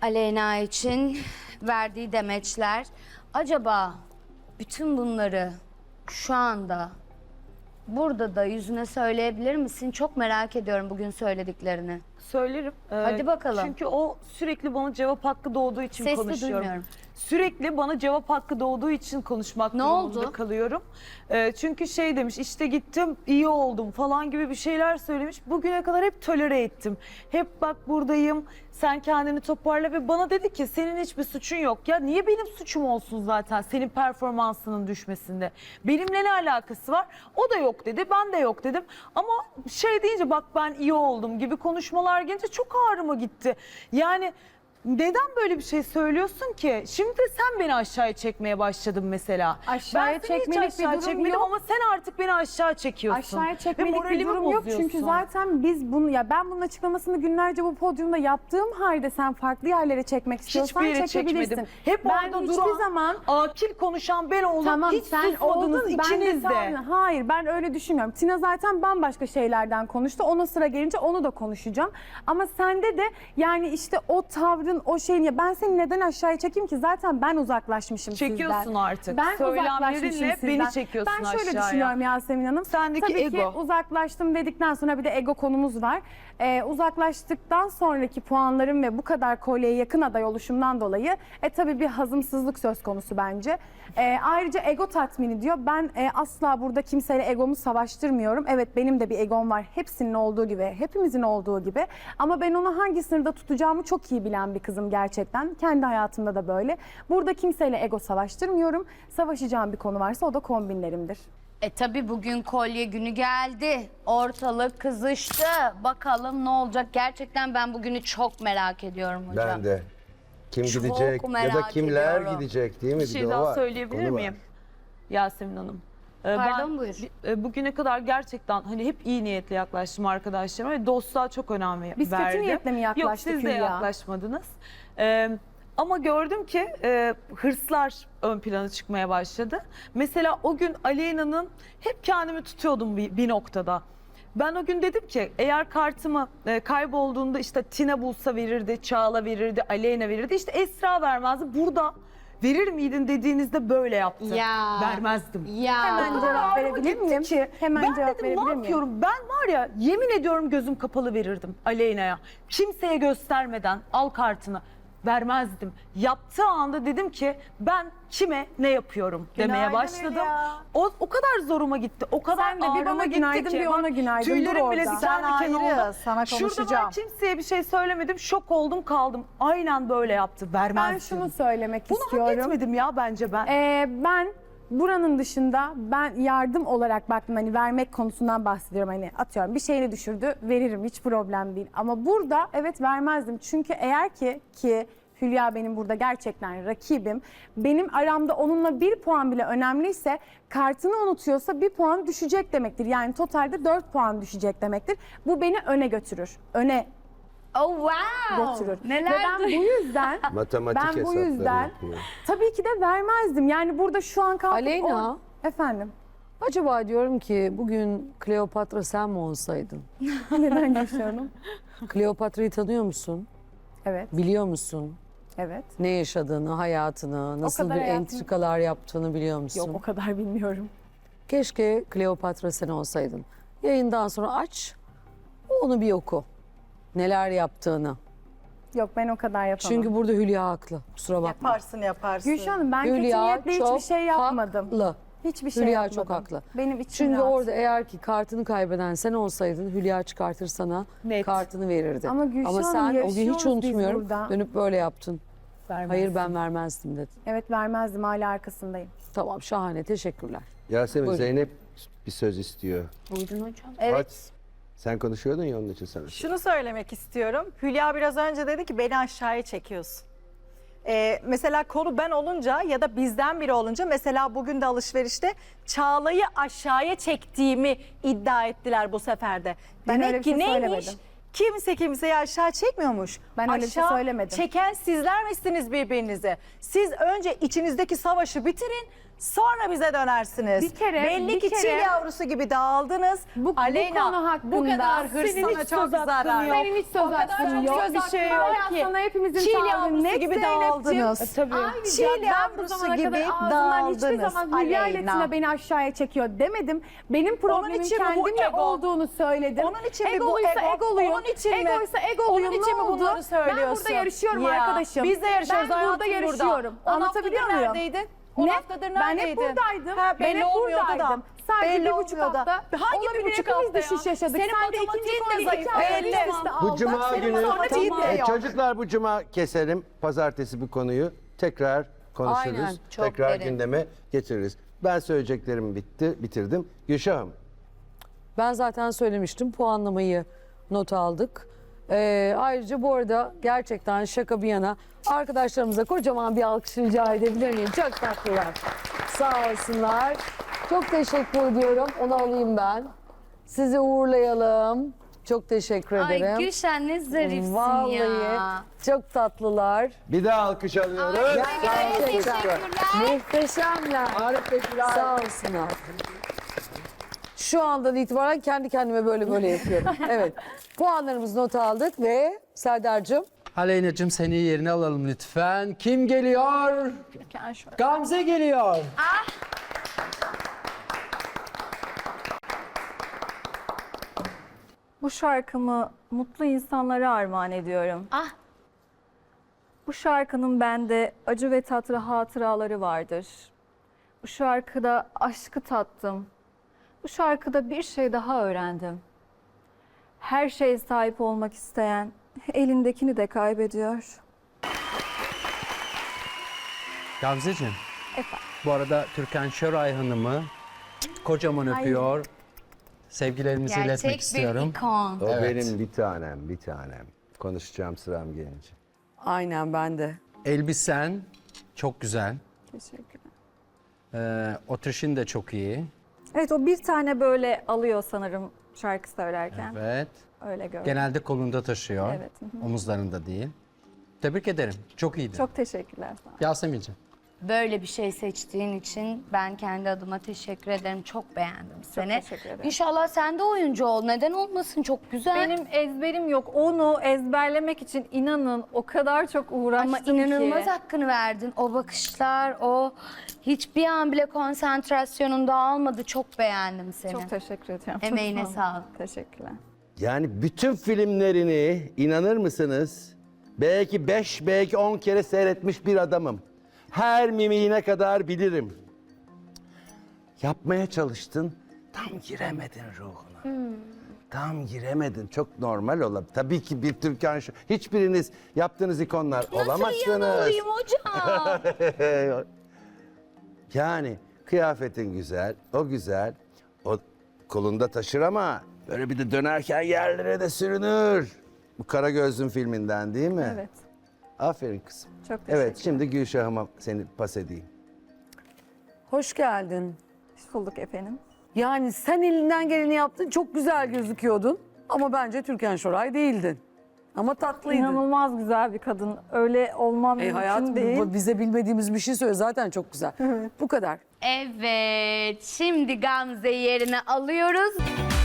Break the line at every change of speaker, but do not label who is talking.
Aleyna için verdiği demeçler. Acaba bütün bunları şu anda burada da yüzüne söyleyebilir misin? Çok merak ediyorum bugün söylediklerini.
Söylerim.
Hadi bakalım.
Çünkü o sürekli bana cevap hakkı doğduğu için
Sesli
konuşuyorum.
duymuyorum.
Sürekli bana cevap hakkı doğduğu için konuşmak
Ne
durumunda
oldu?
kalıyorum. Çünkü şey demiş, işte gittim iyi oldum falan gibi bir şeyler söylemiş. Bugüne kadar hep tolere ettim. Hep bak buradayım, sen kendini toparla ve bana dedi ki senin hiçbir suçun yok. Ya niye benim suçum olsun zaten senin performansının düşmesinde? Benimle ne alakası var? O da yok dedi, ben de yok dedim. Ama şey deyince bak ben iyi oldum gibi konuşmalar gelince çok ağrıma gitti. Yani neden böyle bir şey söylüyorsun ki? Şimdi de sen beni aşağıya çekmeye başladın mesela.
Aşağıya
Ben seni hiç
çekmelik bir
aşağı
durum
çekmedim
yok.
ama sen artık beni aşağı çekiyorsun.
Aşağıya
Ve
çekmelik bir
moralimi
durum yok çünkü
bozuyorsun.
zaten biz bunu ben bunun açıklamasını günlerce bu podyumda yaptığım halde sen farklı yerlere çekmek istiyorsan
Hiçbir yere
çekebilirsin.
çekmedim. Hep
ben
orada
hiçbir
duran,
zaman
akil konuşan ben oldum.
tamam
hiç
sen
susmadınız
oldun
ikiniz de.
Hayır ben öyle düşünmüyorum. Tina zaten bambaşka şeylerden konuştu. Ona sıra gelince onu da konuşacağım. Ama sende de yani işte o tavrın o şeyin ya ben seni neden aşağıya çekeyim ki zaten ben uzaklaşmışım
Çekiyorsun
sizden.
artık.
Ben uzaklaşmışım
Söylemlerinle
sizden.
beni çekiyorsun
Ben şöyle
aşağıya.
düşünüyorum Yasemin Hanım.
Sendeki
Tabii
ego.
ki uzaklaştım dedikten sonra bir de ego konumuz var. Uzaklaştıktan sonraki puanlarım ve bu kadar kolyeye yakın aday oluşumdan dolayı tabii bir hazımsızlık söz konusu bence. Ayrıca ego tatmini diyor. Ben asla burada kimseyle egomu savaştırmıyorum. Evet benim de bir egom var. Hepsinin olduğu gibi, hepimizin olduğu gibi. Ama ben onu hangi sınırda tutacağımı çok iyi bilen bir kızım gerçekten. Kendi hayatımda da böyle. Burada kimseyle ego savaştırmıyorum. Savaşacağım bir konu varsa o da kombinlerimdir.
Tabii bugün kolye günü geldi. Ortalık kızıştı. Bakalım ne olacak? Gerçekten ben bugünü çok merak ediyorum hocam.
Ben de. Kim
Çok
gidecek ya da
merak
kimler
ediyorum.
gidecek değil mi?
Bir
de
şey
o
daha
var,
söyleyebilir
konu var.
miyim? Yasemin Hanım.
Pardon, buyur.
Bugüne kadar gerçekten hani hep iyi niyetle yaklaştım arkadaşlarıma ve dostluğa çok önem verdim.
Biz kötü niyetle mi yaklaştık
Yok siz de
Hülya?
yaklaşmadınız. Ama gördüm ki hırslar ön plana çıkmaya başladı. Mesela o gün Aleyna'nın hep kendimi tutuyordum bir noktada. Ben o gün dedim ki eğer kartımı kaybolduğunda işte Tina bulsa verirdi, Çağla verirdi, Aleyna verirdi. İşte Esra vermezdi. Burada verir miydin dediğinizde böyle yaptı.
Ya.
Vermezdim.
Ya.
Hemen
O kadar
cevap
ağrıma
verebilir
gitti
miyim?
ki,
Hemen
ben
cevap
dedim
verebilir
ne
miyim?
yapıyorum? Ben var ya yemin ediyorum gözüm kapalı verirdim Aleyna'ya. Kimseye göstermeden al kartını. Vermezdim. Yaptığı anda dedim ki ben kime ne yapıyorum demeye başladım. O kadar zoruma gitti. O kadar
Sen de bir
ağrıma
bana
gitti
günaydın,
ki.
bir ona günaydın.
Tüylerim
Dur
bile
orada.
diken
Sen
diken
ayrı,
oldu.
sana
Şurada ben
konuşacağım.
kimseye bir şey söylemedim. Şok oldum kaldım. Aynen böyle yaptı. Vermezdim.
Ben şunu söylemek
Bunu hak
istiyorum.
etmedim ya bence ben.
Ben buranın dışında ben yardım olarak baktım hani vermek konusundan bahsediyorum hani atıyorum bir şeyini düşürdü veririm hiç problem değil ama burada evet vermezdim çünkü eğer ki Hülya benim burada gerçekten rakibim. Benim aramda onunla 1 puan bile önemliyse kartını unutuyorsa 1 puan düşecek demektir. Yani totalde 4 puan düşecek demektir. Bu beni öne götürür. Öne
Oh wow.
götürür.
Neler
Ve ben bu yüzden
Matematik
ben bu
hesapları
yüzden
yapıyor.
tabii ki de vermezdim. Yani burada şu an kalkıp
Aleyna.
Efendim
Acaba diyorum ki bugün Kleopatra sen mi olsaydın?
neden yaşıyorum?
Kleopatra'yı tanıyor musun?
Evet,
Biliyor musun?
evet.
Ne yaşadığını, hayatını, nasıl
kadar
bir
hayatım-
entrikalar yaptığını biliyor musun?
Yok o kadar bilmiyorum.
Keşke Kleopatra sen olsaydın. Yayından sonra aç, onu bir oku. Neler yaptığını.
Yok ben o kadar yapamam.
Çünkü burada Hülya haklı. Kusura bakma.
Yaparsın.
Gülşah Hanım ben kötü
Hülya
niyetle hiçbir
çok
şey yapmadım.
haklı.
Hiçbir şey
Hülya
yapmadım.
çok haklı.
Benim için
Çünkü
rahat.
orada eğer ki kartını kaybeden sen olsaydın Hülya çıkartır sana
Net.
kartını verirdi.
Ama Gülşah Hanım,
sen o gün
yarışıyoruz
hiç
biz
unutmuyorum
burada.
dönüp böyle yaptın.
Vermezdim.
Hayır ben vermezdim dedin.
Evet vermezdim hala arkasındayım.
Tamam şahane teşekkürler.
Yasemin
Buyurun.
Zeynep bir söz istiyor.
Buyurun hocam.
Aç. Sen konuşuyordun ya onun için sana.
Şunu söylemek istiyorum. Hülya biraz önce dedi ki beni aşağıya çekiyorsun. Mesela konu ben olunca ya da bizden biri olunca mesela bugün de alışverişte Çağla'yı aşağıya çektiğimi iddia ettiler bu sefer de.
Ben
Demek
öyle bir
ki
şey
neymiş?
söylemedim.
Kimse kimseyi aşağı çekmiyormuş.
Ben öyle bir şey
Aşağı
söylemedim.
çeken sizler misiniz birbirinizi? Siz önce içinizdeki savaşı bitirin. Sonra bize dönersiniz.
Bir kere-
Belli
bir
ki
kere-
çil yavrusu gibi dağıldınız.
Bu
Aleyna
konu hakkında
bu kadar hırs
senin
sana
hiç
çok
söz hakkın
zarar.
yok. Senin hiç söz
O kadar
hakkın
çok
yok.
söz
Bir
hakkın
şey
var
yok
ki.
sana hepimizin
Çil
tavrı
yavrusu
net
gibi
Zeynep'ciğim.
dağıldınız.
Tabii.
Çil
Ayrıca ben bu
yavrusu
zamana
gibi
kadar ağzından hiçbir
dağıldınız.
zaman Hülya ile
Aleyna.
Tina beni aşağıya çekiyor demedim. Benim problemim
için mi bu
kendimle
ego?
olduğunu söyledim.
Onun için mi bu
Egoluysa
ego?
egoluyum.
Onun için mi?
Egoysa egoluyum.
Onun için
Ne
mi
oldu?
bunları
Ben
söylüyorsun?
burada yarışıyorum
Ya,
arkadaşım.
biz de yarışıyoruz,
Ben burada
hayatım
yarışıyorum.
burada. 10
Anlatabiliyor
haftadır
muyum?
neredeydin? 10
Ne?
haftadır
Ben
neredeydin?
hep buradaydım.
Ha,
Ben
belli
hep
olmuyordu da.
buradaydım. Sadece
Belli
bir buçuk
olmuyor da.
hafta.
Hangi bir
olabilir,
buçuk
hepimiz
hafta ya?
düşüş yaşadık.
Senin
Sen de ikinci
matematiğin de
kolyeyi
zayıf.
iki ay
Belli.
üst üste
Bu
aldın.
cuma
Senin
günü
matematiğin de yok.
çocuklar bu cuma keselim. Pazartesi bu konuyu tekrar konuşuruz.
Aynen,
çok
Tekrar
derin.
gündeme getiririz. Ben söyleyeceklerimi bitirdim. Gülşah'ım.
Ben zaten söylemiştim, puanlamayı not aldık. Ayrıca bu arada gerçekten şaka bir yana arkadaşlarımıza kocaman bir alkış rica edebilir miyim? Çok tatlılar. Sağ olsunlar. Çok teşekkür ediyorum. Onu alayım ben. Sizi uğurlayalım. Çok teşekkür ederim.
Ay Gülşen ne zarifsin
Vallahi
ya.
çok tatlılar.
Bir daha alkış alıyoruz.
Gerçekten muhteşemler.
Harika.
Sağ olsunlar. Şu andan itibaren kendi kendime böyle yapıyorum. Evet. Puanlarımızı not aldık ve Serdar'cığım.
Aleyna'cığım seni yerine alalım lütfen. Kim geliyor? Gamze geliyor.
Bu şarkımı mutlu insanlara armağan ediyorum.
Ah.
Bu şarkının bende acı ve tatlı hatıraları vardır. Bu şarkıda aşkı tattım. Bu şarkıda bir şey daha öğrendim. Her şeye sahip olmak isteyen elindekini de kaybediyor.
Gamzeciğim.
Efendim.
Bu arada Türkan Şoray Hanım'ı kocaman öpüyor. Sevgilerimizi iletmek
Gerçek bir
istiyorum.
ikon.
O
Evet.
benim bir tanem. Konuşacağım sıram gelince.
Aynen ben de.
Elbisen çok güzel.
Teşekkürler.
Oturuşun da çok iyi.
Evet, o bir tane böyle alıyor sanırım şarkı söylerken.
Evet.
Öyle gördüm.
Genelde kolunda taşıyor.
Evet, hı
Omuzlarında değil. Tebrik ederim. Çok iyiydi.
Çok teşekkürler. Sağ olun.
Yasemin'ciğim.
Böyle bir şey seçtiğin için ben kendi adıma teşekkür ederim. Çok beğendim seni.
teşekkür ederim.
İnşallah sen de oyuncu ol. Neden olmasın? Çok güzel.
Benim ezberim yok. Onu ezberlemek için inanın o kadar çok uğraştım
Ama inanılmaz
ki.
hakkını verdin. O bakışlar, o hiçbir an bile konsantrasyonun dağılmadı. Çok beğendim seni.
Çok teşekkür ediyorum.
Emeğine
Çok
sağlık.
Teşekkürler.
Yani bütün filmlerini inanır mısınız? Belki 5, belki 10 kere seyretmiş bir adamım. Her mimiğine kadar bilirim. Yapmaya çalıştın, tam giremedin ruhuna. Tam giremedin. Çok normal olabilir. Tabii ki bir Türkan şu. Hiçbiriniz yaptığınız ikonlar olamazsınız.
olayım hocam?
Yani kıyafetin güzel, o güzel. O kolunda taşır ama böyle bir de dönerken yerlere de sürünür. Bu Karagözlüm filminden değil mi?
Evet.
Aferin kızım.
Çok teşekkürler.
Evet, şimdi Gülşah'ıma seni pas edeyim.
Hoş geldin.
Hoş bulduk efendim.
Yani sen elinden geleni yaptın. Çok güzel gözüküyordun. Ama bence Türkan Şoray değildin. Ama tatlıydın.
İnanılmaz güzel bir kadın. Öyle olmam mümkün
Hayatım
değil.
bize bilmediğimiz bir şey söyle. Zaten çok güzel. Bu kadar.
Evet. Şimdi Gamze'yi yerine alıyoruz.